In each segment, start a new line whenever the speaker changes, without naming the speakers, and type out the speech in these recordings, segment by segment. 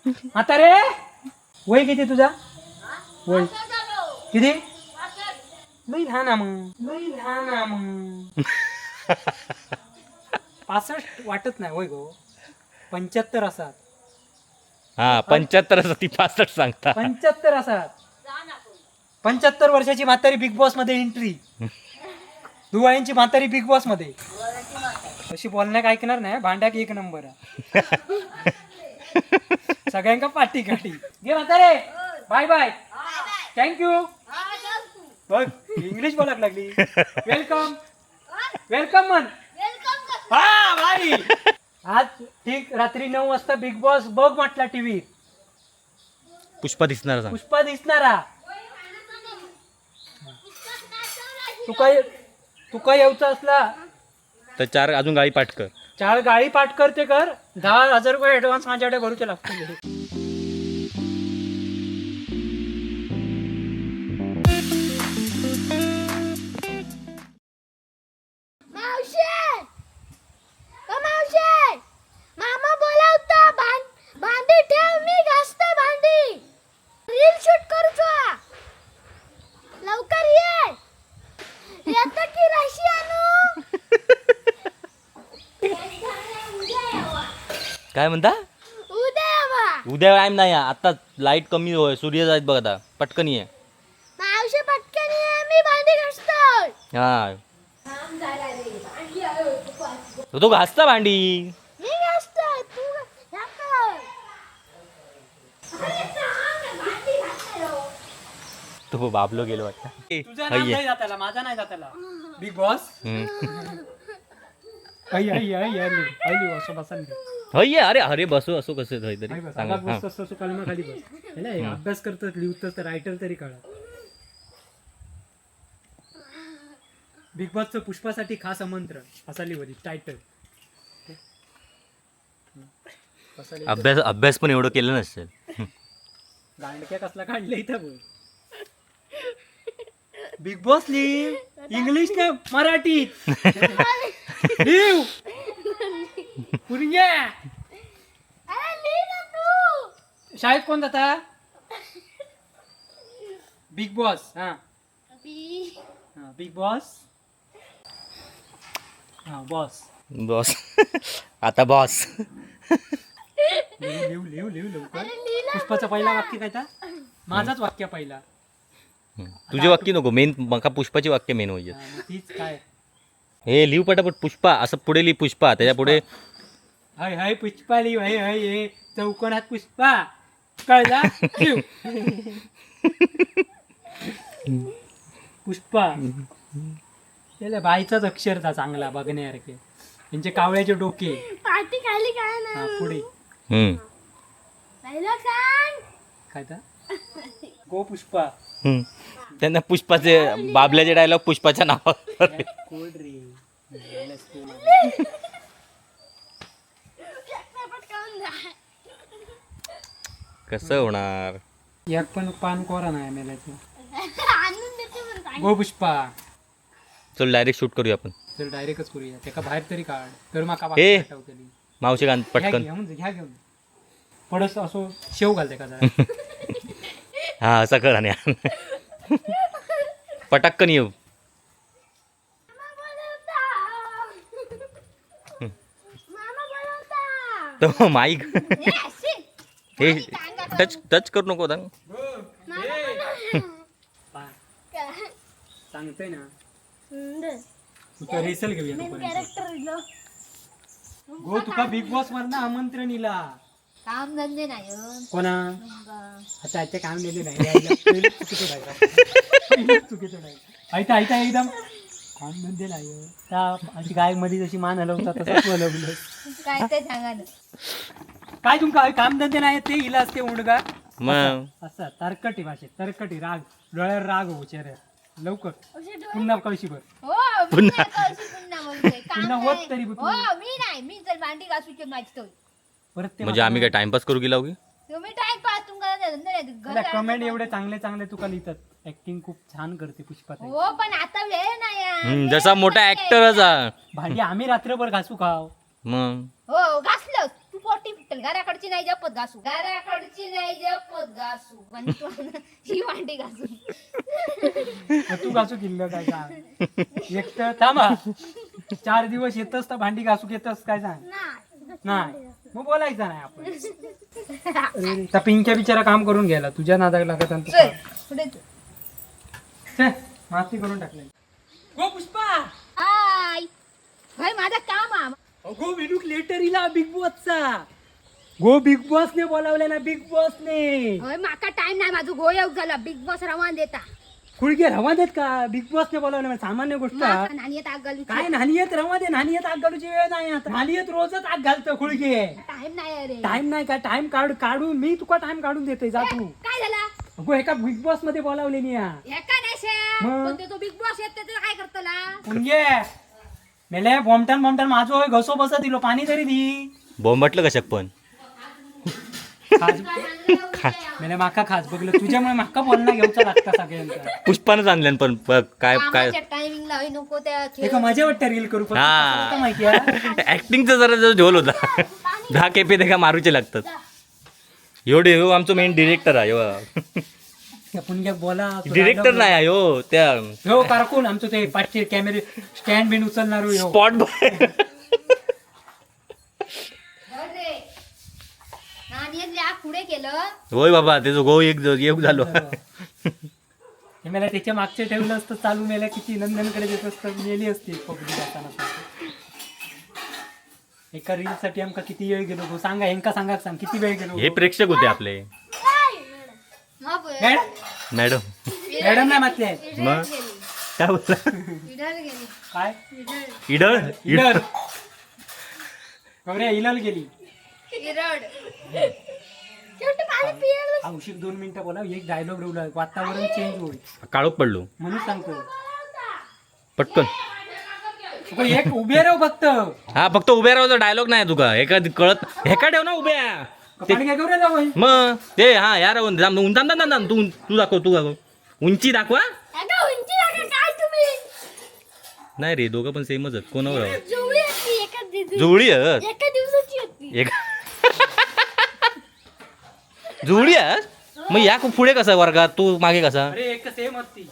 आता रे वय किती तुझा? वय किती? लई लहान आहे मग, लई लहान आहे मग. 65 वाटत नाही वय गो, 75 असतात.
हा 75 असं ती 65 सांगता.
75 असतात. 75 वर्षाची म्हातारी बिग बॉस मध्ये एंट्री. दुवाळ्यांची म्हातारी बिग बॉस मध्ये. अशी बोलण्याक ऐकणार नाही, भांड्याक एक नंबर आहे. सगळ्यांका पाठी काठी घे म्हातारे. Bye bye, thank you. बघ इंग्लिश बोलाक लागली. वेलकम वेलकम म्हण. हा भाई, आज ठीक रात्री 9 वाजता बिग बॉस बघ म्हटला टीव्ही.
पुष्पा दिसणार सांग.
पुष्पा दिसणारा. तुका येऊचा असला
तर 4 अजून गाडी पाठ कर.
4 गाडी पाठ करते कर. 10,000 रुपये ऍडव्हान्स माझ्याकडे भरूचे लागतील.
मामा बोलावता. भांडी ठेव, मी घासते भांडी. रील शूट करूचा. लवकर ये. येतं की रशियानू.
काय म्हणता?
उद्या यावा.
उद्या टाइम नाही, आता लाईट कमी होय, सूर्य जायत बघ आता. पटकन ये.
मावशी पटकन ये, मी भांडी घासतो.
हा तो घासता भांडी.
मी घासतो, तू ह्या कर.
तो बाबलो गेलो वाटतं.
तुझा नाव नाही जाताला, माझा नाही जाताला. बिग बॉस असं बसा.
होय. अरे अरे बसू असो कसं तरी
खाली बस. अभ्यास करतात, लिहितच, रायटर तरी कळा. बिग बॉसचं पुष्पासाठी खास आमंत्रण असा लिहिली टायटल.
अभ्यास पण एवढं केलं नसेल.
गांडक्या कसला काढलं इथं बोल. बिग बॉस लिह इंग्लिश ने मराठीत लिव पुरिया.
अरे लिह ना तू.
शाळेत कोण जाता? Bigg Boss. हा बिग बॉस. हा बॉस.
बॉस आता बॉस.
लिव लवकर. पुष्पाचं पहिला वाक्य काय था? माझाच वाक्य पहिला.
तुझे वाक्य नको, मेन मका पुष्पाची वाक्य मेन होईल.
मग तीच काय.
हे लिव पटापट पुष्पा असं पुढे लिह पुष्पा, त्याच्या पुढे
हाय हाय पुष्पा लिव. हाय हाय हे चौकोनात पुष्पा कळला. लिव पुष्पा. त्याला बाईचाच अक्षर था चांगला बघण्यासारखे. त्यांचे कावळ्याचे डोके.
पार्टी खाली काय ना.
हा पुढे
पहिलं सांग.
काय था? गो पुष्पा.
त्यांना पुष्पाचे बाबल्याचे डायलॉग पुष्पाच्या नावावर.
कोड रे.
कसं होणार?
एक पण पान कोरा नाही मेल्याचं.
आणून देते म्हणून.
गो पुष्पा.
चल डायरेक्ट शूट करूया आपण.
चल डायरेक्टच करूया. त्याका बाहेर तरी काढ तर माका
ए!
आठवतली.
मावशी गान पटकन.
घ्या घेऊन पडस असो शेव घालते का जरा.
हा असं कर आणि पटकन येऊ.
मामा बोलवता.
तो माईक हे टच करू नको दांग.
सांगतोय ना तुका रेसल घेऊया तोपर्यंत. गो तुका बिग बॉस वरनं आमंत्रण इला.
काम धंदे नाही
कोणा आता आजच्या काम दिले नाही. चुकीचं ऐता एकदम काम धंदे नाही. त्या अशी गाय मध्ये जशी मान हलवतात तसंच हलवलं.
काय ते सांगा ना.
काय तुमका काम धंदे नाही ते इला असते उंडगा.
मग
असं तरकटी भाषेत तरकटी राग डोळ्यावर राग हो चेहऱ्यात. लवकर पुन्हा कळशीभर.
पुन्हा
पुन्हा होत तरी
हो मी नाही. मी जर भांडी घासूचे माझी
परत ते
म्हणजे आम्ही काय टाइमपास करू गेला की
तुम्ही टाइमपास तुमका
कमेंट एवढे चांगले चांगले तुका लिहितात. ऍक्टिंग खूप छान करते पुष्पा ताई.
हो पण आता वेळ नाही.
जसा मोठा ऍक्टरच आहे.
भांडी आम्ही रात्रभर घासू खाव.
मग
हो घासलं तू पोट मोठी फिटल घराकडची नाही जपत घासू घराकडची नाही जपत घासू पण तू ही भांडी घासू
मग तू घासू किल्लं काय सांग एक तर थांबा 4 दिवस येतच तर भांडी घासू येतच काय सांग नाही मग बोलायचं नाही आपण अरे, त्या पिंक्या बिचारा काम करून घ्यायला तुझ्या नादाला लागत आणि तू
पुढे तू.
छे, माती करून टाकले गो पुष्पा
हाय भाई माझा काम आहे
अगो विनूक लेटर इला बिग बॉसचा गो बिग बॉसने बोलावले ना बिग बॉसने
होय माका टाइम नाही माझं गोयव झाला बिग बॉस रवान देता
खुळगे रवा देत का बिग बॉसने बोलावले म्हणजे सामान्य गोष्ट आहे.
माका नानी येत आग घालू
काय नानी येत रवा दे नानी येत आग घालूची वेळ नाही आता नानी येत रोजच आग घालतं खुळगे
टाइम नाही अरे
टाइम नाही का टाइम काढून मी तुका टाइम काढून देते जा तू
काय झाला
अगो एका बिग बॉस मध्ये बोलावले नी या
एका नाही शे
मग?
पण ते तो बिग बॉस येत त्याचं काय करतला
खुळगे मेले बॉम्बटन माझं होय घसो बसत दिलो पाणी तरी दी
बॉम्ब म्हटलं कशाक पण
खाज मेले माका खास बघलं तुझ्यामुळे माका बोलणं घेऊचा लागता सगळ्यांचा
पुष्पानच आणल्यान पण बघ काय काय
टायमिंगला होई नको त्या
एका मजा वाटतं रील करू पण
हा.
कसं माहिती आहे
ऍक्टिंगचा जरा जो झोल होता 10 केपे ते का मारूचे लागतात एवढे हो आमचं मेन डिरेक्टर आहे
आपण काय बोला
डिरेक्टर नाही आहे हो त्या
हो कारकून आमचं ते पाचशे कॅमेरे स्टँड बिन उचलणार हो
स्पॉट बॉय
नानी आग पुढे केलं
होय बाबा त्याचं गो एक झालो
हे मला त्याच्या मागचे ठेवलं असतं चालू मेल्या किती नंदनकडे देत असतं मेली असती पब्लिक जाताना एका रील साठी आमका किती वेळ गेलो गो सांगा हेंका सांगा सांग किती वेळ गेलो
हे प्रेक्षक होते आपले मॅडम
मॅडम नाही म्हटले
मग काय बोलला
काय
इडळ
इलर गौऱ्या इलल गेली औषध 2 मिनिटं बोला एक डायलॉग ठेवला वातावरण चेंज होईल
काळोख पडलो
म्हणून सांगतो
पटकन
तुका एक उभे राहू फक्त
हा फक्त उभ्या राहायचा डायलॉग नाही तुका एका कळत हेका ठेव ना उभ्या
पाणी काय गौऱ्या जाऊ
मग ते हा यार तू दाखव उंची दाखवा नाही रे दोघं पण सेमच आहेत कोणावर जुळी आहेत
एका दिवसाची होती
एक जुळी आहेत मग या पुढे कसा वर्गात तू मागे कसा
अरे एक सेम असती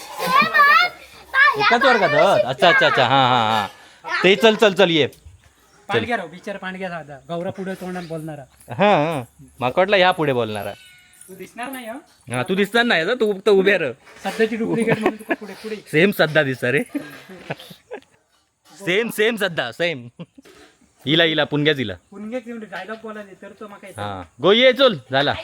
एकाच वर्गात आहेत? अच्छा अच्छा अच्छा हा हा हा ते चल ये
पांडग्या राव बिचार पांडग्या साधा गौरा पुढे तोंडात बोलणारा
हा माका वाटलं या पुढे बोलणारा
तू दिसणार नाही हं?
हा तू दिसणार नाही ना तू फक्त उभ्या रह
सध्याची डुप्लिकेट म्हणून तुका पुढे पुढे
सेम सध्या दिसता रे सेम सध्या सेम हिला पुणग्याच हिला
पुणगे घेऊन डायलॉग बोलायले तर तो मग
हा गो ये चल झाला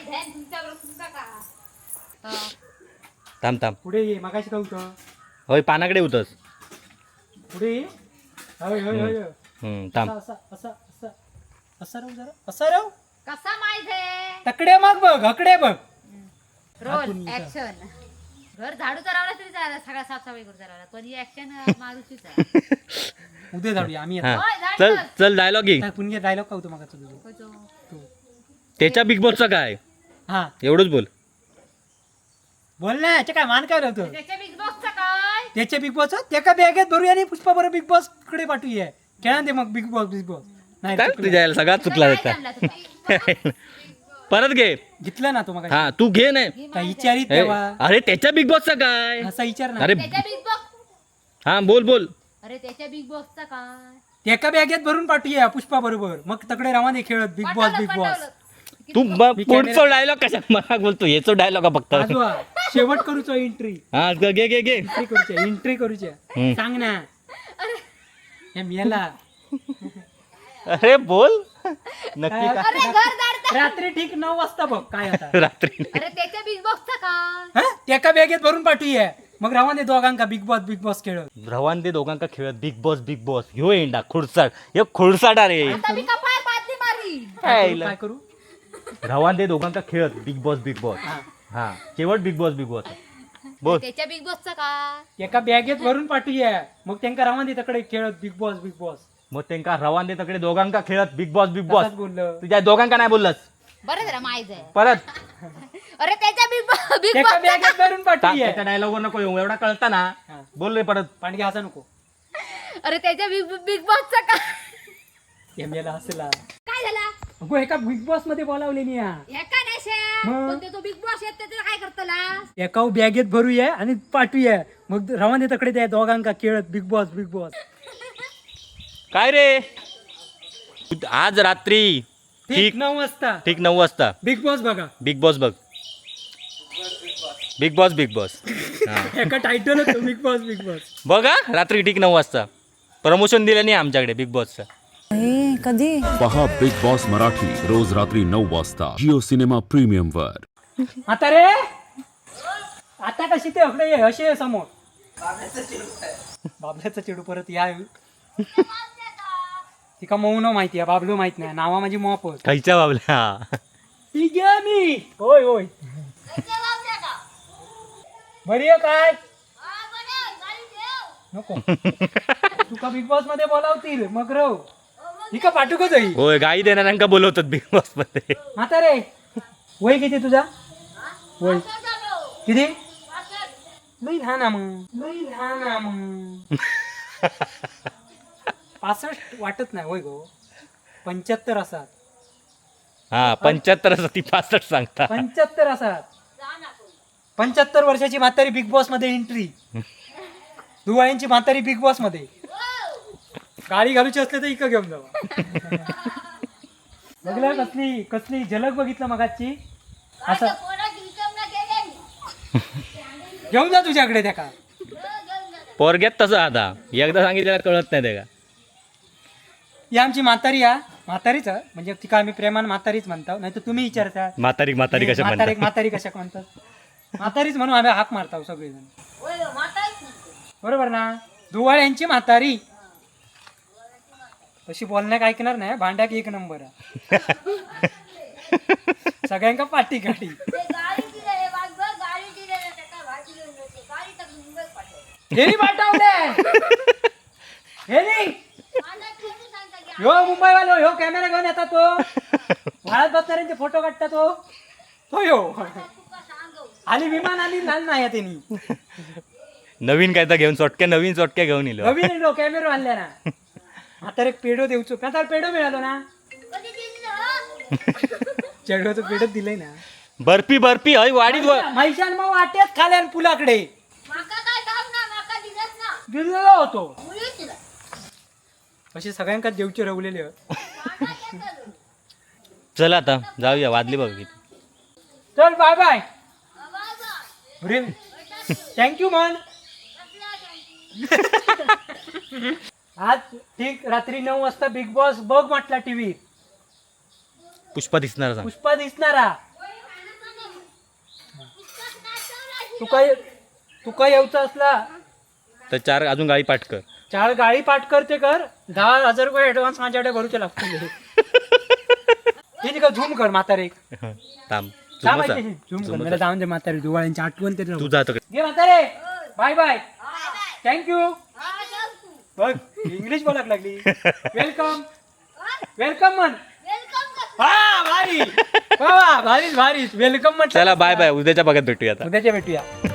थांब
पुढे ये मगाशी काय होतं
होय पानाकडे होतस
पुढे ये होय होय होय होय.
थांब
असं असं असं असं राहू जरा असं राहू
कसा माहिती
तकडे मग बघ हकडे बघ
रोल ऍक्शन घर झाडू चालवला तरी चालला सगळा साफसफाई करू चालवला पण ही ऍक्शन मारूचीच आहे
उद्या जाऊया आम्ही
हा
होय,
चल डायलॉग घे
पुणगे डायलॉग काय होतो मग तुझं तू
त्याच्या बिग बॉसचा काय
हा
एवढंच बोल
बोल ना याच्या काय मान काय होतं
त्याच्या बिग बॉसचा काय
त्याच्या बिग बॉस त्याका बॅगेत भरूया आणि पुष्पा बरोबर बिग बॉस कडे पाठवूया खेळा दे मग बिग बॉस नाही
काय
चुकलं.
तुझ्या याला सगळा चुकला
काय
त्याचा
आणला तुला?
परत घे
घेतलं ना तो मग
हा तू घे नाही
काय विचारित
हे,
तेव्हा
अरे त्याच्या बिग बॉसचा काय
असा विचार ना
अरे
त्याच्या बिग बॉस
हा बोल
अरे त्याच्या बिग बॉसचा काय
त्याका बॅगेत भरून पाठवूया पुष्पा बरोबर मग तकडे रवाने खेळत बिग बॉस बिग बॉस
पाठवलं.
तू
मी
पुढचा
camera-
डायलॉग कशा मला बोलतो याचा डायलॉग फक्त
आजवा शेवट करूचो एंट्री
हा घे
एंट्री करूच्या
हम्म.
सांग ना हे मेला
अरे बोल नक्की का
अरे घर दार
रात्री ठीक 9 वाजता बघ काय आता
रात्री
अरे त्याच्या बिग बॉसचा काय
हा? त्याका बॅगेत भरून पाठवूया मग रवाने दोघांका बिग बॉस खेळत
रवान ते दोघांका खेळत बिग बॉस ह्यो एंडा खुडसाट हे खुडसाट अरे
आता मी कपाळ बादली मारी
काय करू
रवान ते दोघांका खेळत बिग बॉस
हा.
हा शेवट बिग बॉस बोल
त्याच्या बिग बॉसचा काय
एका बॅगेत भरून पाठवूया मग त्यांका रवाने तकडे खेळत बिग बॉस
मग त्यांका रवान ते तकडे दोघांका खेळत बिग बॉस
तसंच बोललं
तुझ्या दोघांका नाही बोललास
बरं जरा माहित आहे
परत
अरे त्याच्या बिग
एका
बॉस
बॅगेत भरून पाठवूया
त्याच्या डायलॉग वर नको येऊ एवढा कळता ना
हा.
बोल रे परत
पांडगे हसा नको
अरे त्याच्या बिग बॉसचा काय
हे मेला हसला
काय झाला
अगो एका बिग बॉस मध्ये बोलावलेली या
एका नाही श्या.
मग?
पण तो बिग बॉस येत त्याचं काय करतला
एका बॅगेत भरूया आणि पाठवूया मग रवाने तकडे त्या दोघांका खेळत बिग बॉस बिग बॉस
काय रे आज रात्री
ठीक 9 वाजता
ठीक 9 वाजता
बिग बॉस बघा
बिग बॉस बघ बिग बॉस बिग बॉस हा
एका टायटल होतो बिग बॉस बिग बॉस
बघा रात्री ठीक 9 वाजता प्रमोशन दिलं नाही आमच्याकडे बिग बॉसचं
कधी
पहा बिग बॉस मराठी रोज रात्री 9 वाजता जिओ सिनेमा प्रीमियम वर.
आता रे आता कशी ते अकडे ये असे समोर बाबल्याचा चेडू परत या तिका मऊ न माहिती आहे बाबलो माहित नाही नावा माझी मॉप
खायच्या बाबल्या
ती घ्या मी होय होय बरी आहे काय नको तुका बिग बॉस मध्ये बोलावतील मग रव ही का पाठू का जाई
होय गाई देणाऱ्यांका बोलवतात बिग बॉस मध्ये
आता रे वय किती तुझा वय किती लई लहान आहे मग लई लहान आहे मग 65 वाटत नाही होय गो 75 असतात
हा 75 असं ती 65 सांगता
75 असतात 75 वर्षाची म्हातारी बिग बॉस मध्ये एंट्री दुवाळ्यांची म्हातारी बिग बॉस मध्ये गाडी घालूची असले तर इकडे घेऊन जावा बघलं कसली कसली झलक बघितलं मगाची असं घेऊन जा तुझ्याकडे त्या का
पोरग्यात तसं आता एकदा सांगितलेलं कळत नाही ते का
ही आमची म्हातारी आहे म्हातारीच आहे. म्हणजे तिका आम्ही प्रेमान म्हातारीच म्हणतो नाही तर तुम्ही विचारता
म्हातारी म्हातारी कशा
म्हातारी
म्हणतात
म्हातारी कशा म्हणतात म्हातारीच म्हणून आम्ही हाक मारतो सगळेजण बरोबर ना दुवाळ्यांची म्हातारी तशी बोलण्याक ऐकणार नाही भांड्याक 1 नंबर आहे सगळ्यांका पाठी काठी हेरी पाठवले हेरी ह्यो मुंबई वालो ह्यो कॅमेरा घेऊन येतात तो वाळत बसणाऱ्यांचे फोटो काढतात तो ह्यो आली विमान आली लाल नाही त्यांनी
नवीन काय तर घेऊन नवीन चोटक्या घेऊन येलो
नवीन कॅमेरा आणल्या ना आता एक पेडो देऊचो आता पेडो मिळालो ना चेडवाचं पेडो दिलंय ना
बर्फी बर्फी हय वाडीत
मैशान मग वाट्यात खाल्यान पुलाकडे दिलेला होतो असे सगळ्यांका देवचे रवलेले
चला आता जाऊया वाजली बघ किती
चल बाय बाय अरे थँक्यू मन आज ठीक रात्री 9 वाजता बिग बॉस बघ म्हटला टीव्ही
पुष्पा दिसणार सांग
पुष्पा दिसणारा तुका येऊचा असला
तर 4 अजून गाडी पाठ कर
4 गाडी पाठ करते कर 10,000 रुपये ऍडव्हान्स माझ्याकडे भरूचे लागतील हे झूम कर म्हातारे
थांब
झूम कर मला जाऊन दे म्हातारे दुवाळ्यांची आठवण तरी राहू
तू जातो
घे म्हातारे बाय बाय थँक्यू बघ इंग्लिश बोलाक लागली वेलकम वेलकम म्हण हा भारी वा भारीच भारीच वेलकम म्हण
चला बाय बाय उद्याच्या भागात भेटूया आता
उद्याच्या भेटूया